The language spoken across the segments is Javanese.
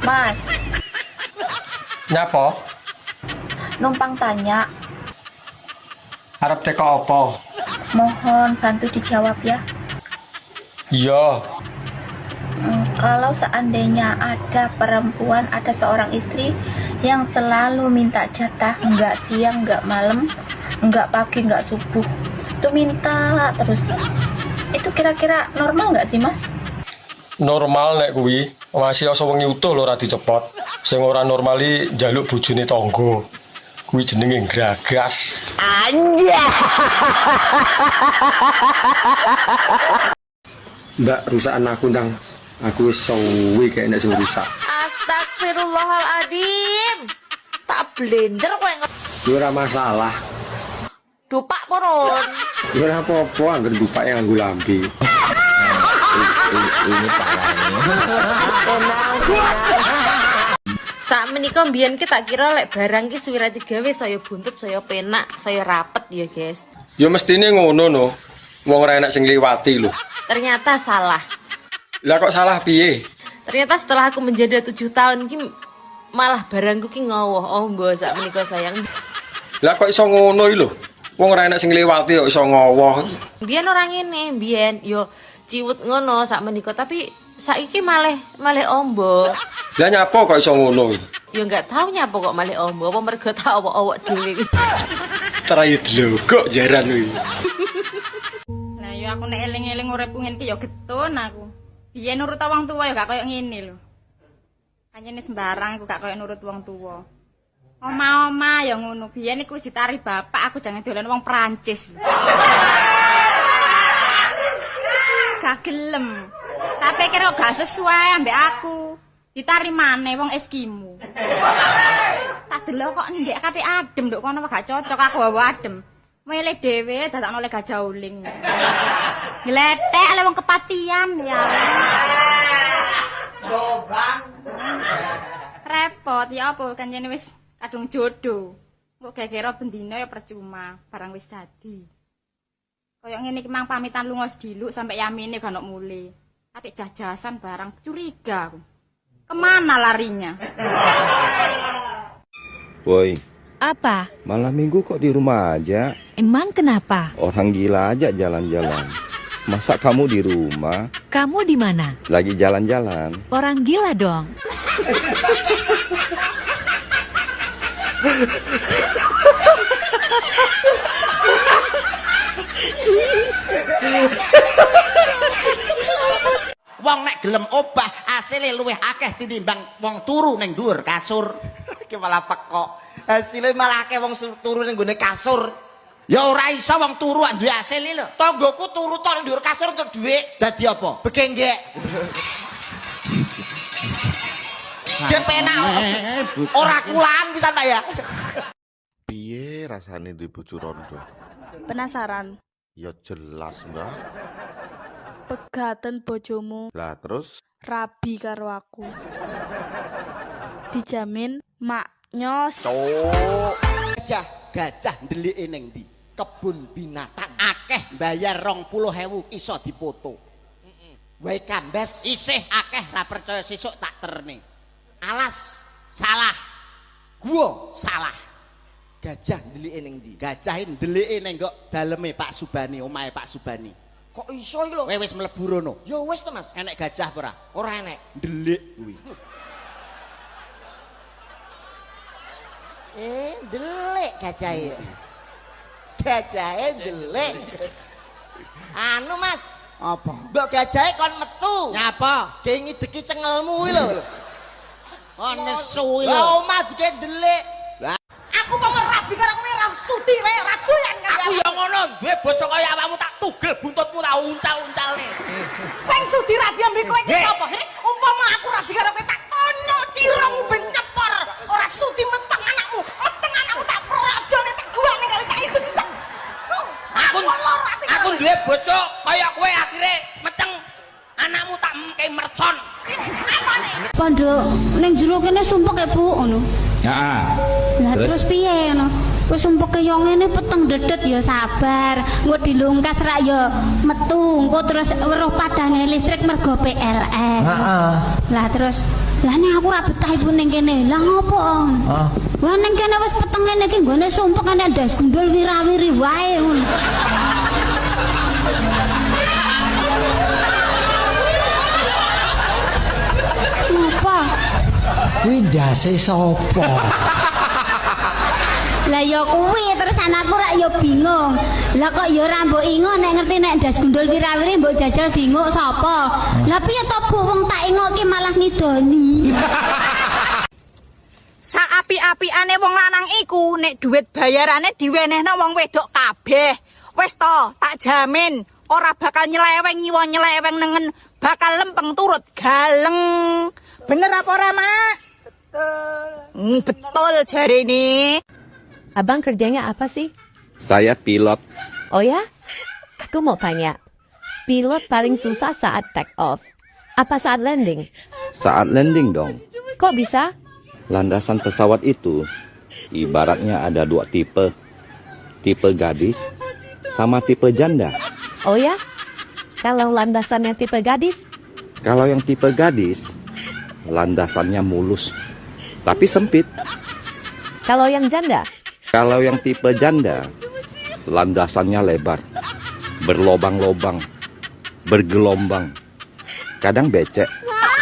Mas, Nyapa? numpang tanya. Arep teko apa? Mohon bantu dijawab ya. Iya. Kalau seandainya ada perempuan, ada seorang istri yang selalu minta jatah, nggak siang, nggak malam, nggak pagi, nggak subuh, itu minta terus. Itu kira-kira normal nggak sih, Mas? Normal nek kuwi. Masih asa wengi utuh lho ora dicepot. Sing ora normali njaluk bojone tangga. Kuwi jenenge gragas. Mbak, rusak anakku ndang. Aku wis suwi kayak nek sing rusak. Astagfirullahaladzim. Tak blender kowe Kuwi ora masalah. ngedupak poron. Kuwi ora apa-apa angger dupake nganggo lambe. Ini parahnya. Sak menika mbiyen ki tak kira lek barang ki suwira digawe saya buntut, saya penak, saya rapet ya, guys. Ya mestine ngono no. Wong ora enak sing liwati lho. Ternyata salah. Lah kok salah piye? Ternyata setelah aku menjadi 7 tahun ki malah barangku ki ngowoh. Oh, mbok sak menika sayang. Lah kok iso ngono iki lho. Wong ora enak sing liwati kok iso ngowoh. Mbiyen ora ngene, mbiyen yo ciwut ngono sak menika, tapi saiki malih ombo. Lah nyapa kok iso ngono iki? Ya enggak tahu nyapa kok malih ombo, apa mergo tak owok-owok dhewe. Terayu dlogok jaran kuwi. Nah, yo aku nek eling-eling uripku ngene iki yo getun aku. Biyen nurut wong tuwa yo gak koyo ngene lho. Pancene sembarang aku gak koyo nurut wong tuwa. Oma-oma ya ngono. Biyen iku wis ditari bapak, aku jangan dolan wong Prancis. Gak gelem. Tapi kira gak sesuai ambek aku. Ditari maneh wong Eskimo. Tak delok kok ndek kate adem nduk kono gak cocok aku wae adem. Milih dhewe dadakno oleh gajah uling. Gletek oleh wong kepatian ya. Gobang. Repot ya apa kancene wis kadung jodoh. Kok kira bendina ya percuma, barang wis dadi. Kaya ngene iki mang pamitan lunga sediluk sampai yamine gak ono mule. Tapi jajasan barang curiga aku. Kemana larinya? Woi, Apa? malam minggu kok di rumah aja? Emang kenapa? Orang gila aja jalan-jalan. Masa kamu di rumah? Kamu di mana? Lagi jalan-jalan. Orang gila dong. Wong nek gelem obah asile luwih akeh tinimbang wong turu ning dhuwur kasur. Iki malah pekok. Hasile malah akeh wong turu ning gone kasur. Ya ora iso wong turu duwe hasil lho. Tanggoku turu tok ning dhuwur kasur untuk dhuwit. Dadi apa? Begenggek. Dia penak. Ora kulaan pisan ta ya. Piye rasane duwe bojo rondo? Penasaran? Ya jelas, Mbak. Pegaten bojomu Lah terus rabi karo aku. Dijamin mak nyos. Gajah ndelike ning ndi? Kebun binatang akeh bayar 20.000 iso dipoto. Wae kandas isih akeh ra percaya sesuk tak terne. Alas salah. Gua salah. Gajah ndelike ning ndi? Gajahe ndelike ning kok daleme Pak Subani, omahe Pak Subani. Kok iso iki lho? Wis mlebu rono. Ya wis to, Mas. Enek gajah apa ora? Ora enek. Ndelik kuwi. Ndelik gajahe. Gajahe ndelik. Anu, Mas. Apa? Mbok gajahe kon metu. Nyapa? Ge ngideki cengelmu kuwi lho. Oh, nesu lho. Lah omah dike ndelik. Aku mau rabi karo kowe ra sudi wae ora doyan karo aku ya ngono duwe bojo kaya awakmu tak tugel buntutmu tak uncal-uncalne. Sing sudi rabi ambek kowe iki sapa? Umpama aku rabi karo kowe tak tono tirangmu ben nyepor. Ora sudi meteng anakmu tak projone tak guane kali tak itu kita. Aku duwe bojo kaya kowe akhire meteng anakmu tak mengke mercon. Apane? Pondok ning jero kene sumpek ya, Bu, ngono. Heeh. Lah terus piye ngono? Wis sumpek yo ngene peteng dedet ya sabar. Engko dilungkas rak ya metu. Engko terus weruh padange listrik mergo PLN. Heeh. Lah terus lah nek aku ra betah ibu ning kene. Lah ngopo, Om? Lah ning kene wis peteng ngene iki nggone sumpek ana ndas gundul wirawiri wae ngono. Apa? Kuwi ndase sapa? Lah ya kuwi terus anakku rak ya bingung. Lah kok ya ora mbok ingo nek ngerti nek ndas gundul wirawiri mbok jajal dinguk sapa? Lah piye to Bu wong tak ingok ki malah ngidoni. Saapi-apiane wong lanang iku nek duit bayarane diwenehno wong wedok kabeh. Wis to, tak jamin ora bakal nyeleweng nyiwa nyeleweng nengen, bakal lempeng turut galeng. Bener apa ora, Mak? Betul. Betul jarene. Abang kerjanya apa sih? Saya pilot. Oh ya? Aku mau tanya. Pilot paling susah saat take off. Apa saat landing? Saat landing dong. Kok bisa? Landasan pesawat itu ibaratnya ada 2 tipe. Tipe gadis sama tipe janda. Oh ya? Kalau landasannya tipe gadis? Kalau yang tipe gadis, landasannya mulus, tapi sempit. Kalau yang janda? Kalau yang tipe janda, landasannya lebar, berlobang-lobang, bergelombang, kadang becek.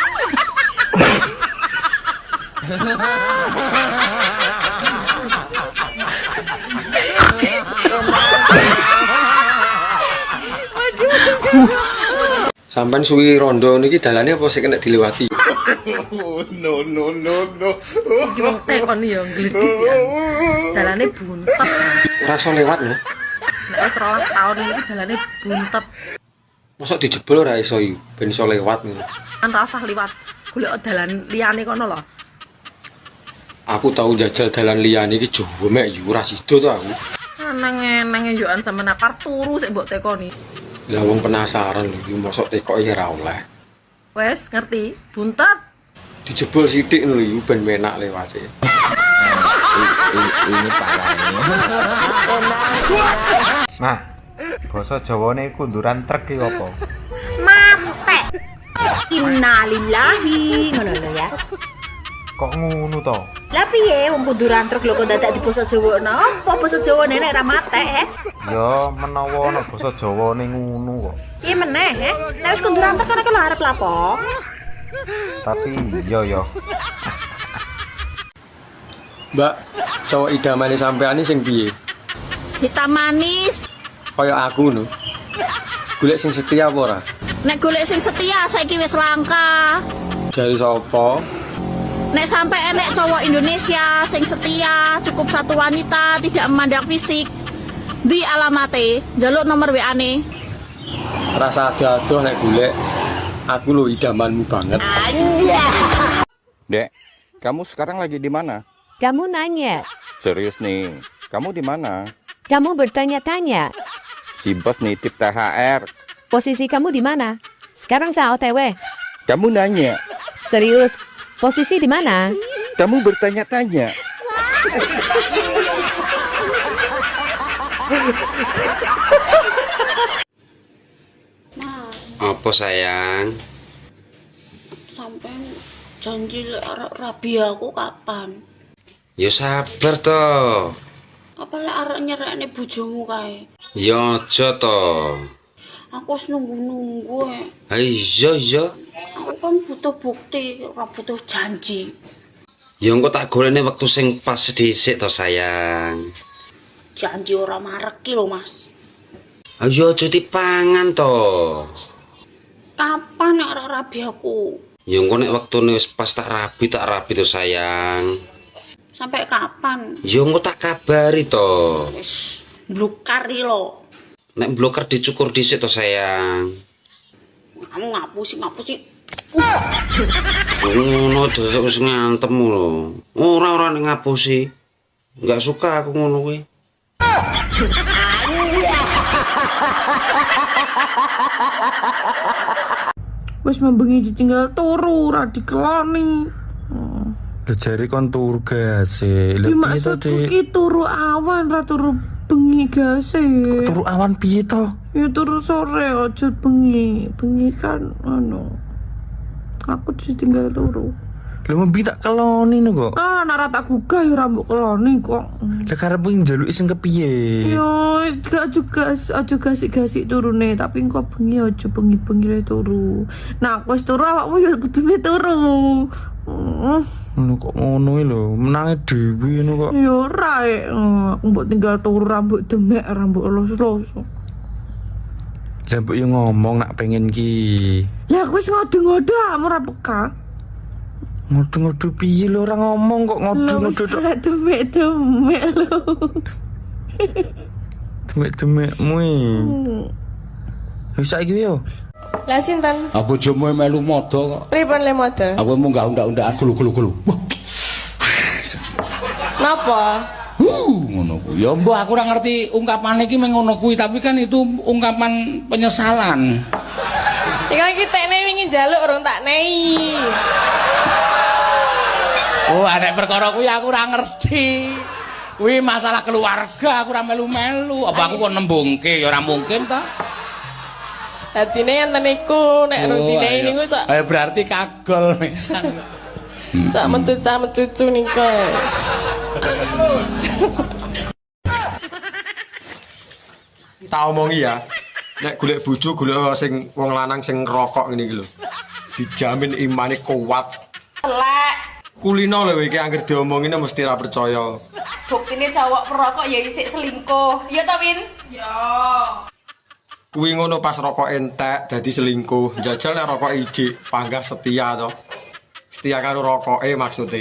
Sampai suwi rondo niki dalane apa sih kena dilewati? No. Wong tekon ya glidis ya. Dalane buntet. Ora iso lewat lho. Nek wis 12 tahun iki dalane buntet. Mosok dijebol ora iso iki ben iso lewat ngono. Kan ra usah liwat. Golek dalan liyane kono lho. Aku tahu jajal dalan liyane iki Jawa mek yo ora sida to aku. Nang yoan sampe napar turu sik mbok tekoni. Lah wong penasaran lho iki mosok tekoke ora oleh. Wes ngerti, buntet. Dijebol sithik lho iki ben enak lewate. Ini parahnya. Nah, basa Jawane kunduran truk iki apa? Mate. Innalillahi ngono lho ya. Kok ngono to? Lah piye wong kunduran truk lho kok dadak di basa Jawa napa basa Jawa nek ra mate Ya menawa ana basa Jawane ngono kok. Piye meneh nek wis kunduran truk kono lho arep lapo. Tapi yo. Mbak, cowok idamane sampean sing piye? Hitam manis. Kaya aku lho. Golek sing setia apa ora? Nek golek sing setia saiki wis langka. Dari sapa? Nek sampai enek cowok Indonesia sing setia, cukup satu wanita, tidak memandang fisik. Di alamate, jaluk nomor WA-ne. Rasa adoh nek golek. Aku lho idamanmu banget. Dek, kamu sekarang lagi di mana? Kamu nanya. Serius nih, kamu di mana? Kamu bertanya-tanya. Si bos nitip THR. Posisi kamu di mana? Sekarang saya OTW. Kamu nanya. Serius? Posisi di mana? Kamu bertanya-tanya. Apa sayang? Sampai janji arek rabi aku kapan? Ya sabar toh. Apa lek arek nyerekne bojomu kae? Ya aja toh. Aku wis nunggu-nunggu Iya. Aku kan butuh bukti, ora butuh janji. Ya engko tak golekne wektu sing pas dhisik toh sayang. Janji ora mareki lho, Mas. Ayo aja dipangan toh. Kapan nek arek rabi aku? Ya engko nek wektune wis pas tak rabi toh sayang. Sampai kapan? Ya engko tak kabari toh. Wis blukari lho. Nek bloker dicukur dhisik toh sayang. Kamu ngapusi. Ngono terus ngantem lho. Ora nek ngapusi. Enggak suka aku ngono kuwi. Wis membengi ditinggal turu ora dikeloni. Lho jare kon turu gas e. Lho piye to, Dik? Ki turu awan ra turu bengi gase. Turu awan piye to? Ya turu sore aja bengi. Bengi kan aku ditinggal turu. Lho membi tak keloni no kok. Nara tak gugah ya rambut keloni kok. Lah karep njaluki sing kepiye? Yo, gak juga aja gasik-gasik turune, tapi engko bengi aja bengi-bengi le turu. Nah, wis turu awakmu ya kudune turu. Ngono kok ngono lho, menange dhewe ngono kok. Ya ora aku mbok tinggal turu rambut demek, rambut los-los. Lah mbok yo ngomong nak pengen ki. Lah aku wis ngode-ngode ora peka. Ngodo-ngodo piye lho ora ngomong kok ngodo-ngodo tok. Demek-demek lho. Demek-demekmu iki. Wis saiki yo. Lah sinten? Aku bojomu melu modo kok. Pripun le model? Aku munggah undak-undakan gulu-gulu. Napa? Ngono kuwi. Ya mbah aku ora ngerti ungkapan iki meng ngono kuwi, tapi kan itu ungkapan penyesalan. Iki tekne wingi njaluk urung tak nehi. Oh, arek perkara kuwi aku ora ngerti. Kuwi masalah keluarga, aku ora melu-melu. Apa aku kok nembungke ya ora mungkin ta? Dadine enten iku nek rutine niku cok. Ayo berarti kagol pisan. Cak mencucu niku. Tak omongi ya. Nek golek bojo golek sing wong lanang sing ngerokok ngene iki lho. Dijamin imane kuat. Elek. Kulino lho iki anggere diomongine mesti ra percaya. Buktine cowok perokok ya isik selingkuh. Ya ta, Win? Ya. Kuwi ngono pas rokok entek dadi selingkuh. Jajal nek rokok ijik panggah setia to. Setia karo rokoke maksude.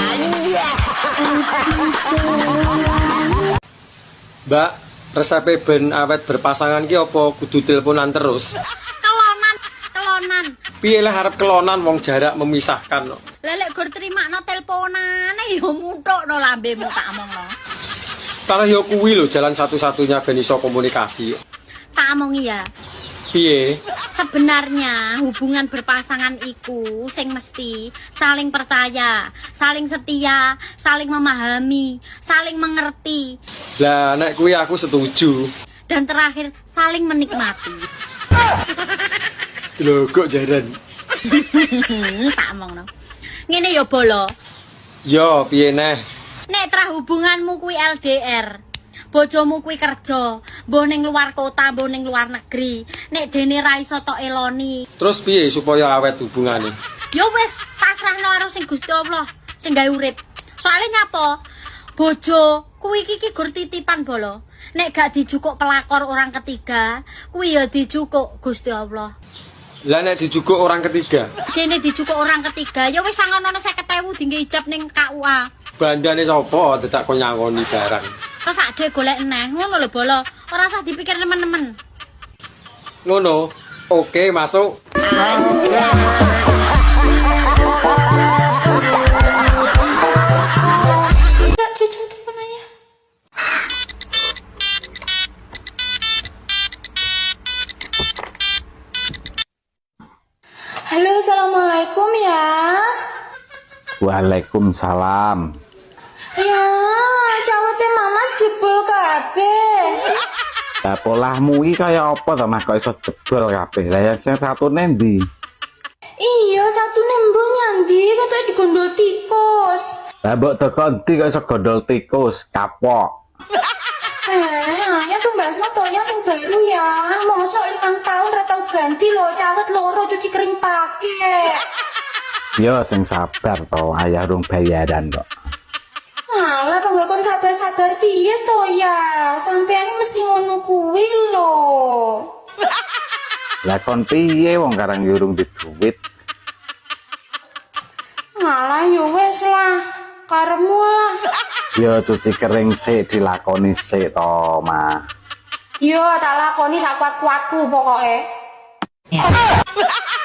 Mbak, resepe ben awet berpasangan ki apa kudu teleponan terus? Kelonan. Piye lah arep kelonan wong jarak memisahkan kok. Lah lek gur trimakno teleponane ya muthukno lambemu tak omongno. Kalau yo kuwi lho jalan satu-satunya ben iso komunikasi. Tak omongi ya. Piye? Sebenarnya hubungan berpasangan iku sing mesti saling percaya, saling setia, saling memahami, saling mengerti. Lah nek kuwi aku setuju. Dan terakhir saling menikmati. Lho kok jaran. Tak omongno. Ngene ya bolo. Yo piye neh? Nek trah hubunganmu kuwi LDR. Bojomu kuwi kerja, mbuh ning luar kota, mbuh ning luar negeri. Nek dene ra iso tok eloni. Terus piye supaya awet hubungane? Ya wis, pasrahno karo sing Gusti Allah, sing gawe urip. Soale nyapa? Bojo kuwi iki gur titipan bolo. Nek gak dijukuk pelakor orang ketiga, kuwi ya dijukuk Gusti Allah. Lah nek dijukuk orang ketiga? Dene dijukuk orang ketiga, ya wis sangono 50.000 dinggo ijab ning KUA. Bandane sapa dadak kok nyangoni barang. Terus ade golek neh, ngono lho bolo. Ora usah dipikir temen-temen. Ngono. Oke, masuk. Halo, assalamualaikum ya. Waalaikumsalam. Ya, cawete mama jebol kabeh. Lah polahmu iki kaya apa to Mas kok iso jebol kabeh? Lah ya sing satune ndi? Iya, satu nembung nyandi katanya digondol tikus. Lah mbok teko ndi kok iso gondol tikus, kapok. Ya tuh mbak Asma yang sing baru ya. Mosok 5 tahun ra tau ganti loh, cawet loro cuci kering pakai. Yo sing sabar to, ayah rung bayaran kok. Alah panggil kon sabar-sabar piye to ya? Sampeyan mesti ngono kuwi lho. Lah kon piye wong karang yurung di duit. Alah yo wis lah, karemu lah. Yo cuci kering sik dilakoni sik to, Mah. Yo tak lakoni sak kuat-kuatku pokoke.